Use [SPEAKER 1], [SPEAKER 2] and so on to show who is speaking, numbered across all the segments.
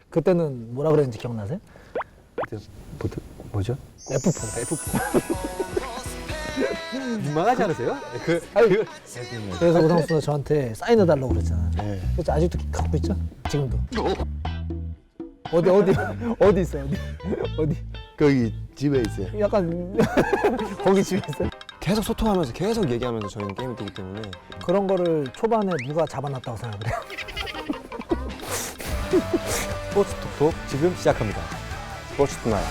[SPEAKER 1] 그때는 뭐라 그랬는지 기억나세요?
[SPEAKER 2] 그때 뭐죠?
[SPEAKER 1] F4.
[SPEAKER 2] 민망하지 않으세요?
[SPEAKER 1] 그래서 오상수가 저한테 사인해달라고 그랬잖아요.
[SPEAKER 3] 네.
[SPEAKER 1] 그래서 아직도 갖고 있죠? 지금도. 어디 있어요? 어디?
[SPEAKER 3] 거기 집에 있어요.
[SPEAKER 1] 약간 거기 집에 있어요?
[SPEAKER 4] 계속 소통하면서 계속 얘기하면서 저희는 게임을 뛰기 때문에
[SPEAKER 1] 그런 거를 초반에 누가 잡아놨다고 생각을 해요?
[SPEAKER 2] 스포츠 톡톡 지금 시작합니다. 스포츠 투나잇.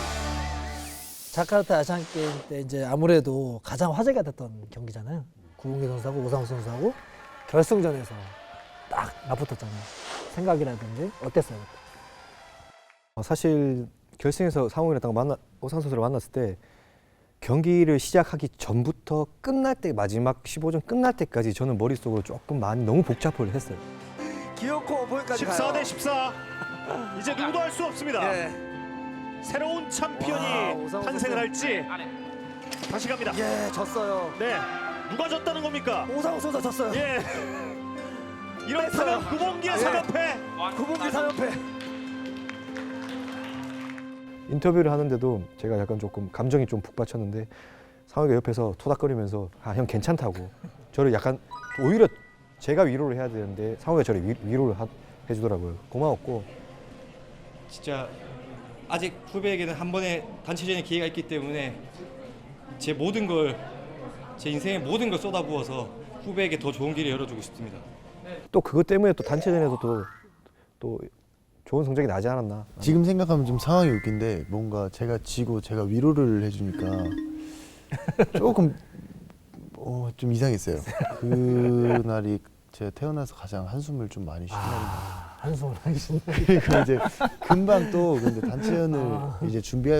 [SPEAKER 1] 자카르타 아시안 게임 때 이제 아무래도 가장 화제가 됐던 경기잖아요. 구봉기 선수하고 오상수 선수하고 결승전에서 딱 맞붙었잖아요. 생각이라든지 어땠어요?
[SPEAKER 2] 사실 결승에서 상홍이랑 딱 오상 선수를 만났을 때 경기를 시작하기 전부터 끝날 때 마지막 15전 끝날 때까지 저는 머릿속으로 조금 많이 너무 복잡을 했어요.
[SPEAKER 5] 기어코 볼까지
[SPEAKER 6] 14 대 14. 이제 누구도 할 수 없습니다.
[SPEAKER 5] 예.
[SPEAKER 6] 새로운
[SPEAKER 5] 와,
[SPEAKER 6] 챔피언이
[SPEAKER 5] 오상호
[SPEAKER 6] 탄생을
[SPEAKER 5] 선수.
[SPEAKER 6] 할지. 다시 갑니다.
[SPEAKER 5] 예, 졌어요.
[SPEAKER 6] 네. 누가 졌다는 겁니까?
[SPEAKER 5] 오상호 선수 졌어요.
[SPEAKER 6] 예. 이렇다면
[SPEAKER 5] 뺐어요.
[SPEAKER 6] 구봉기의
[SPEAKER 5] 예.
[SPEAKER 6] 3연패.
[SPEAKER 5] 구봉기 3연패.
[SPEAKER 2] 인터뷰를 하는데도 제가 약간 조금 감정이 좀 북받쳤는데 상황이가 옆에서 토닥거리면서 형 괜찮다고 저를 약간 오히려 제가 위로를 해야 되는데 상황이가 저를 위로를 해주더라고요. 고마웠고
[SPEAKER 7] 진짜 아직 후배에게는 한 번의 단체전의 기회가 있기 때문에 제 모든 걸 제 인생의 모든 걸 쏟아부어서 후배에게 더 좋은 길을 열어주고 싶습니다.
[SPEAKER 2] 또 그것 때문에 또 단체전에서도 또 좋은 성적이 나지 않았나.
[SPEAKER 3] 지금 생각하면 좀 상황이 웃긴데 뭔가 제가 지고 제가 위로를 해주니까 조금 좀 이상했어요. 그날이 제가 태어나서 가장 한숨을 좀 많이 쉰 날인 것 같아요.
[SPEAKER 1] 한숨을 하기 싫네.
[SPEAKER 3] 그리고 이제 금방 또 근데 단체전을 이제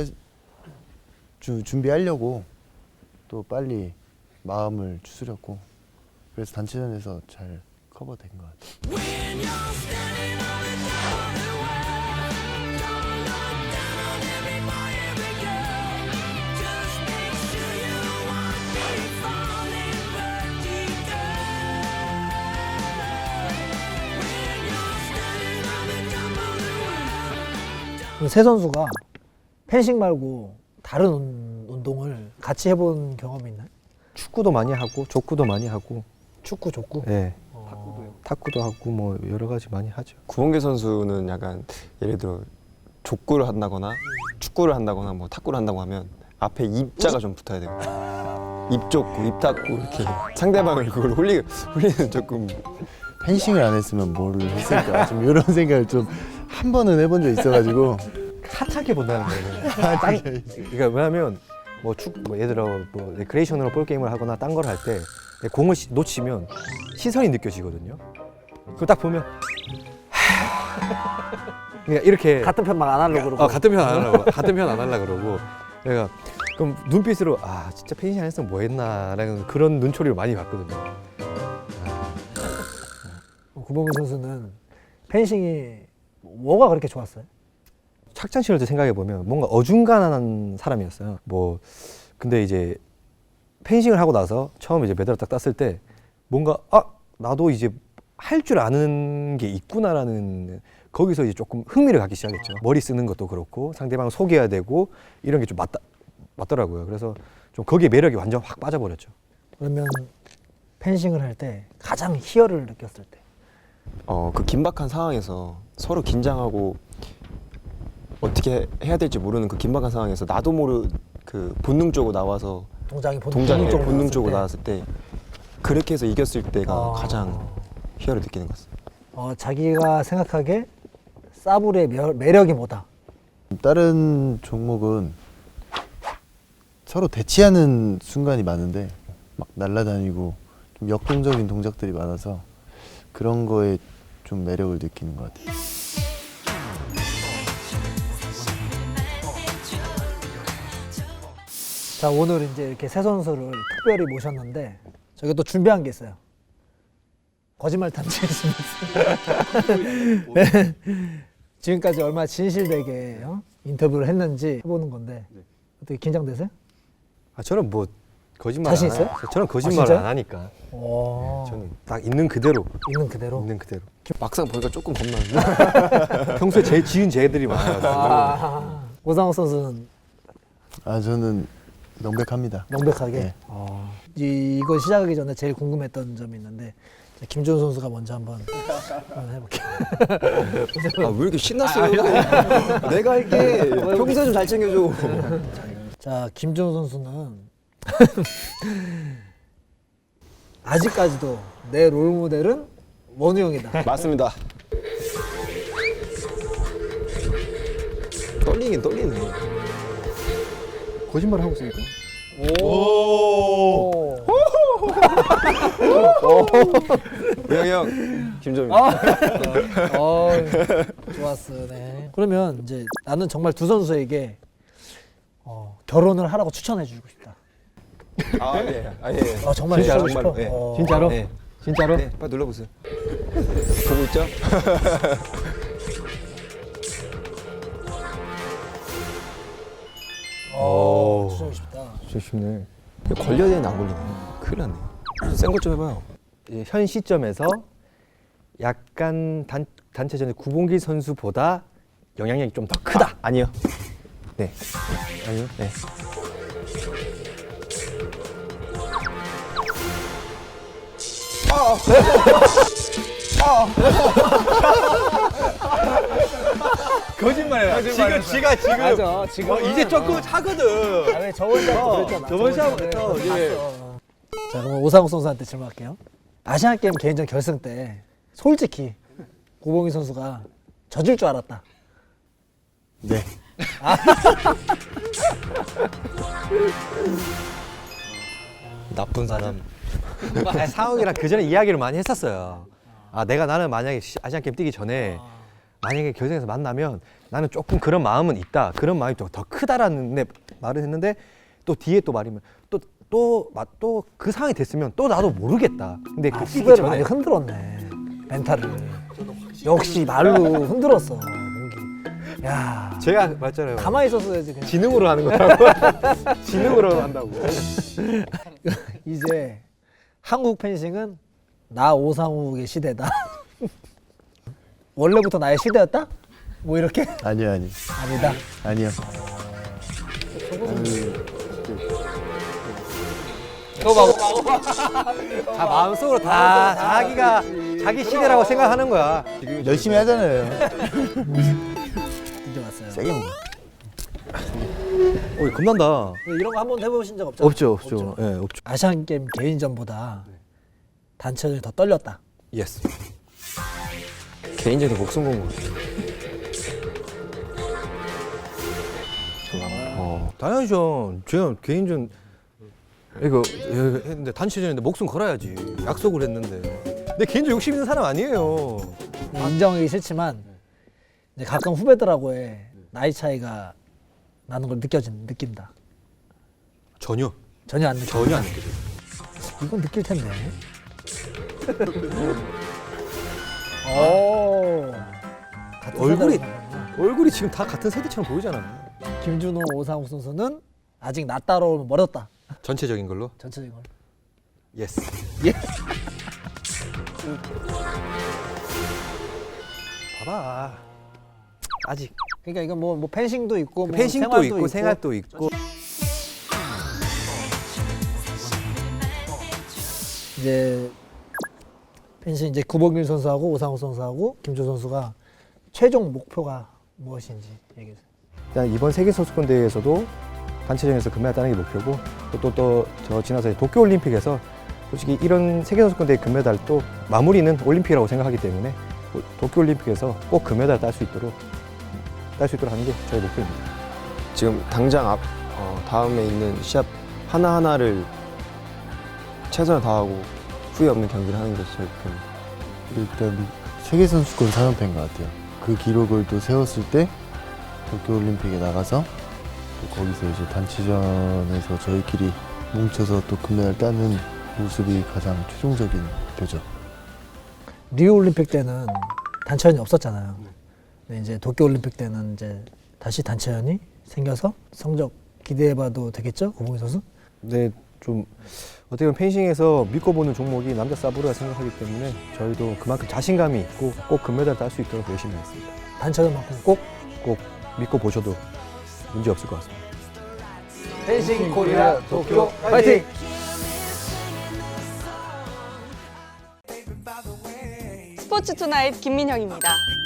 [SPEAKER 3] 준비하려고 또 빨리 마음을 추스렸고 그래서 단체전에서 잘 커버된 것 같아요.
[SPEAKER 1] 세 선수가 펜싱 말고 다른 운동을 같이 해본 경험이 있나요?
[SPEAKER 2] 축구도 많이 하고 족구도 많이 하고
[SPEAKER 1] 축구, 족구?
[SPEAKER 2] 예. 탁구도 하고 뭐 여러 가지 많이 하죠.
[SPEAKER 4] 구봉기 선수는 약간 예를 들어 족구를 한다거나 축구를 한다거나 뭐 탁구를 한다고 하면 앞에 입자가 좀 붙어야 돼요. 입 족구, 입 탁구 이렇게 상대방을 그걸 홀리는 조금
[SPEAKER 3] 펜싱을 안 했으면 뭘 했을까 좀 이런 생각을 좀 한 번은 해본 적 있어가지고
[SPEAKER 2] 핫하게 본다는 거예요. 그러니까 왜냐면 뭐 예를 들어 뭐 레크레이션으로 볼 게임을 하거나 딴 걸 할 때 공을 놓치면 시선이 느껴지거든요. 그거 딱 보면 그러니까 이렇게
[SPEAKER 1] 같은 편만 안 하려고 그러고.
[SPEAKER 2] 같은 편 안 하려고 같은 편 안 하려고 그러고 내가 그럼 눈빛으로 진짜 펜싱 안 했으면 뭐 했나라는 그런 눈초리를 많이 봤거든요.
[SPEAKER 1] 구봉기 선수는 펜싱이 뭐가 그렇게 좋았어요?
[SPEAKER 2] 착장 신을 때 생각해 보면 뭔가 어중간한 사람이었어요. 뭐 근데 이제 펜싱을 하고 나서 처음 이제 메달을 딱 땄을 때 뭔가 나도 이제 할 줄 아는 게 있구나라는 거기서 이제 조금 흥미를 갖기 시작했죠. 머리 쓰는 것도 그렇고 상대방을 속여야 되고 이런 게 좀 맞더라고요. 그래서 좀 거기에 매력이 완전 확 빠져버렸죠.
[SPEAKER 1] 그러면 펜싱을 할 때 가장 희열을 느꼈을 때?
[SPEAKER 4] 그 긴박한 상황에서 서로 긴장하고 어떻게 해야 될지 모르는 그 긴박한 상황에서 나도 모르 그 본능적으로 나와서
[SPEAKER 1] 동작이
[SPEAKER 4] 본능적으로 나왔을 때 그렇게 해서 이겼을 때가 가장 희열을 느끼는 것 같습니다.
[SPEAKER 1] 자기가 생각하기에 사브르의 매력이 뭐다?
[SPEAKER 3] 다른 종목은 서로 대치하는 순간이 많은데 막 날아다니고 좀 역동적인 동작들이 많아서 그런 거에 좀 매력을 느끼는 것 같아요.
[SPEAKER 1] 자, 오늘 이제 이렇게 세 선수를 특별히 모셨는데 저희가 또 준비한 게 있어요. 거짓말 탐지했습니다. 네. 지금까지 얼마나 진실되게 인터뷰를 했는지 해보는 건데 어떻게 긴장되세요?
[SPEAKER 2] 저는 뭐 거짓말
[SPEAKER 1] 자신
[SPEAKER 2] 안
[SPEAKER 1] 있어요?
[SPEAKER 2] 저는 거짓말을
[SPEAKER 1] 진짜요?
[SPEAKER 2] 안 하니까.
[SPEAKER 1] 오,
[SPEAKER 2] 저는 딱 있는 그대로
[SPEAKER 1] 있는 그대로.
[SPEAKER 2] 있는 그대로.
[SPEAKER 4] 막상 보니까 조금 겁나는데.
[SPEAKER 2] 평소에 제일 지은 제들이 많아가지고.
[SPEAKER 1] 오상욱 선수는
[SPEAKER 3] 아 저는 명백합니다.
[SPEAKER 1] 명백하게.
[SPEAKER 3] 네.
[SPEAKER 1] 이거 시작하기 전에 제일 궁금했던 점이 있는데 자, 김준 선수가 먼저 한번 해볼게요.
[SPEAKER 4] 아, 왜 이렇게 신났어요? 내가 할게. 평소에 좀 잘 챙겨줘.
[SPEAKER 1] 자, 김준 선수는 아직까지도 내 롤모델은 원우 형이다.
[SPEAKER 4] 맞습니다. 떨리긴 떨리네.
[SPEAKER 2] 거짓말 하고 있으니까.
[SPEAKER 4] 우영이 형, 김정민.
[SPEAKER 1] 좋았어. 네. 그러면 이제 나는 정말 두 선수에게 결혼을 하라고 추천해주고 싶다.
[SPEAKER 4] 아, 예. 아, 예.
[SPEAKER 1] 정말
[SPEAKER 4] 진짜로?
[SPEAKER 1] 해주고 싶어.
[SPEAKER 4] 정말로, 예.
[SPEAKER 1] 진짜로?
[SPEAKER 4] 네.
[SPEAKER 2] 진짜로?
[SPEAKER 4] 네, 빨리 눌러보세요. 보고 있죠?
[SPEAKER 1] 추천하고 싶다.
[SPEAKER 2] 진짜 쉽네.
[SPEAKER 4] 걸려야 되는데 안 걸리네. 큰일 났네. 센 것 좀 해봐요.
[SPEAKER 2] 현 시점에서 약간 단체전의 구봉길 선수보다 영향력이 좀 더 크다.
[SPEAKER 4] 아니요.
[SPEAKER 2] 네. 아니요.
[SPEAKER 4] 네.
[SPEAKER 2] 거짓말이야. 지금 지가 지금
[SPEAKER 1] 맞아. 지금
[SPEAKER 2] 이제 조금 차거든.
[SPEAKER 1] 왜 저번 시합 그랬잖아.
[SPEAKER 2] 저번 시합
[SPEAKER 1] 시합에
[SPEAKER 2] 그랬죠.
[SPEAKER 1] 봤어.
[SPEAKER 2] 예.
[SPEAKER 1] 자, 그럼 오상욱 선수한테 질문할게요. 아시안 게임 개인전 결승 때 솔직히 고봉희 선수가 져줄 줄 알았다.
[SPEAKER 3] 네.
[SPEAKER 4] 나쁜 사람.
[SPEAKER 2] 상욱이랑 그 전에 이야기를 많이 했었어요. 나는 만약에 아시안 게임 뛰기 전에 만약에 결승에서 만나면 나는 조금 그런 마음은 있다. 그런 마음이 좀 더 크다라는 말을 했는데 또 뒤에 또 말이면 또 그 상황이 됐으면 또 나도 모르겠다. 근데 그 뛰기
[SPEAKER 1] 후배를 많이
[SPEAKER 2] 전에
[SPEAKER 1] 흔들었네. 멘탈을. 역시 말로 흔들었어. 몽기. 야,
[SPEAKER 2] 제가 말했잖아요.
[SPEAKER 1] 가만히 있었어야지. 그냥.
[SPEAKER 2] 지능으로 하는 거라고. 지능으로 한다고.
[SPEAKER 1] 이제 한국 펜싱은 나 오상욱의 시대다. 원래부터 나의 시대였다? 뭐 이렇게?
[SPEAKER 3] 아니요
[SPEAKER 1] 아니다.
[SPEAKER 3] 아니요.
[SPEAKER 2] 다 마음속으로 다 자기가 자기 시대라고 생각하는 거야.
[SPEAKER 3] 열심히 하잖아요.
[SPEAKER 1] 이제 왔어요.
[SPEAKER 3] 세게 먹어.
[SPEAKER 2] 겁난다.
[SPEAKER 1] 이런 거 한 번 해보신 적 없잖아요.
[SPEAKER 2] 없죠. 예, 없죠.
[SPEAKER 1] 아시안 게임 개인전보다 단체전이 더 떨렸다.
[SPEAKER 2] 예스.
[SPEAKER 4] 개인적인 목숨 건 거.
[SPEAKER 2] 당연하죠. 제가 개인전 이거 했는데 단체전인데 목숨 걸어야지. 약속을 했는데. 내 개인전 욕심 있는 사람 아니에요.
[SPEAKER 1] 인정하기 싫지만 이제 가끔 후배들하고의 나이 차이가 나는 걸 느낀다.
[SPEAKER 2] 전혀
[SPEAKER 1] 전혀 안 느껴.
[SPEAKER 2] 전혀 안 느껴져.
[SPEAKER 1] 이건 느낄 텐데. 오. 같은
[SPEAKER 2] 얼굴이-
[SPEAKER 1] 세대구나.
[SPEAKER 2] 얼굴이 지금 다 같은 세대처럼 보이잖아.
[SPEAKER 1] 김준호, 오상욱 선수는 아직 나 따라오면 멀었다.
[SPEAKER 2] 전체적인 걸로.
[SPEAKER 1] 전체적인 걸.
[SPEAKER 2] 예스. 봐봐. 아직
[SPEAKER 1] 그러니까 이건 뭐 펜싱도 있고 뭐
[SPEAKER 2] 펜싱도
[SPEAKER 1] 생활도
[SPEAKER 2] 있고 생활도 있고.
[SPEAKER 1] 이제 펜싱 이제 구봉길 선수하고 오상욱 선수하고 김준 선수가 최종 목표가 무엇인지 얘기해 주세요.
[SPEAKER 2] 일단 이번 세계 선수권 대회에서도 단체전에서 금메달 따는 게 목표고 또 저 지나서 도쿄 올림픽에서 솔직히 이런 세계 선수권 대회 금메달 또 마무리는 올림픽이라고 생각하기 때문에 도쿄 올림픽에서 꼭 금메달 딸 수 있도록 하는 게 저희 목표입니다.
[SPEAKER 4] 지금 당장 다음에 있는 시합 하나하나를 최선을 다하고 후회 없는 경기를 하는 게 저희 목표입니다.
[SPEAKER 3] 일단 세계 선수권 3연패인 것 같아요. 그 기록을 또 세웠을 때 도쿄올림픽에 나가서 또 거기서 이제 단체전에서 저희끼리 뭉쳐서 또 금메달 따는 모습이 가장 최종적인 목표죠.
[SPEAKER 1] 리우 올림픽 때는 단체전이 없었잖아요. 근데 이제 도쿄 올림픽 때는 이제 다시 단체전이 생겨서 성적 기대해봐도 되겠죠, 고봉희 선수?
[SPEAKER 2] 네, 좀 어떻게 보면 펜싱에서 믿고 보는 종목이 남자 사브르라 생각하기 때문에 저희도 그만큼 자신감이 있고 꼭 금메달 딸 수 있도록 열심히 하겠습니다.
[SPEAKER 1] 단체전만큼 꼭
[SPEAKER 2] 꼭 믿고 보셔도 문제 없을 것 같습니다.
[SPEAKER 1] 펜싱 코리아 도쿄 파이팅!
[SPEAKER 8] 스포츠 투나잇 김민영입니다.